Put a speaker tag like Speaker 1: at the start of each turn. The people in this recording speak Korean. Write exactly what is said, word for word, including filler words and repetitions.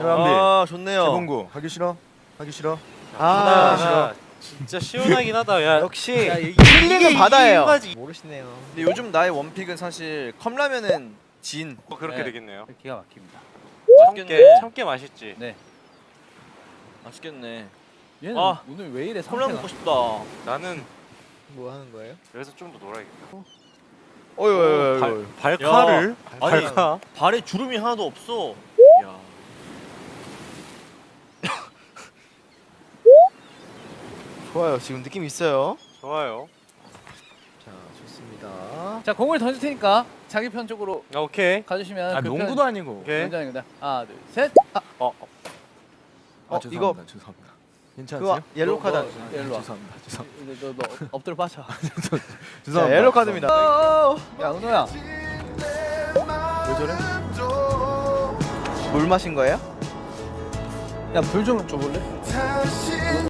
Speaker 1: 아 좋네요.
Speaker 2: 재봉구 하기 싫어? 하기 싫어?
Speaker 1: 아,
Speaker 3: 바다가 진짜 시원하긴 하다. 야,
Speaker 1: 역시
Speaker 3: 야, 이-
Speaker 1: 힐링은
Speaker 3: 이게
Speaker 1: 바다예요.
Speaker 3: 이유가지.
Speaker 1: 모르시네요.
Speaker 4: 근데 요즘 나의 원픽은 사실 컵라면은 진.
Speaker 3: 어, 그렇게
Speaker 5: 네.
Speaker 3: 되겠네요.
Speaker 5: 기가 막힙니다.
Speaker 3: 참깨,
Speaker 4: 맛있겠네.
Speaker 3: 참깨 맛있지.
Speaker 5: 네.
Speaker 4: 맛있겠네.
Speaker 5: 얘는
Speaker 3: 아.
Speaker 5: 오늘 왜 이래
Speaker 4: 콜라
Speaker 5: 상태가?
Speaker 4: 먹고 싶다.
Speaker 3: 나는
Speaker 1: 뭐 하는 거예요?
Speaker 3: 여기서 좀 더 놀아야겠다.
Speaker 1: 어이 어이
Speaker 3: 발,
Speaker 1: 어이.
Speaker 3: 발카를?
Speaker 4: 아니,
Speaker 3: 발카?
Speaker 4: 발에 주름이 하나도 없어.
Speaker 3: 야.
Speaker 1: 좋아요. 지금 느낌 있어요.
Speaker 3: 좋아요.
Speaker 1: 자 좋습니다.
Speaker 5: 자 공을 던질 테니까 자기 편 쪽으로
Speaker 3: 아, 오케이.
Speaker 5: 가주시면
Speaker 2: 아
Speaker 5: 그
Speaker 2: 농구도
Speaker 5: 편
Speaker 2: 아니고.
Speaker 3: 오케이.
Speaker 5: 연장입니다. 하나 둘 셋. 아,
Speaker 3: 어, 어.
Speaker 2: 아
Speaker 1: 어,
Speaker 2: 죄송합니다. 죄송합니다. 괜찮으세요?
Speaker 1: 그거 옐로우 카드.
Speaker 5: 너,
Speaker 1: 아니에요?
Speaker 5: 너, 일로 와.
Speaker 2: 죄송합니다. 죄송합니다.
Speaker 5: 이제 너, 너 엎드려 빠져.
Speaker 1: 자
Speaker 2: 죄송합니다.
Speaker 1: 옐로우 카드입니다.
Speaker 5: 야 은호야.
Speaker 2: 왜 저래?
Speaker 1: 물 마신 거예요?
Speaker 5: 야 불 좀 줘볼래?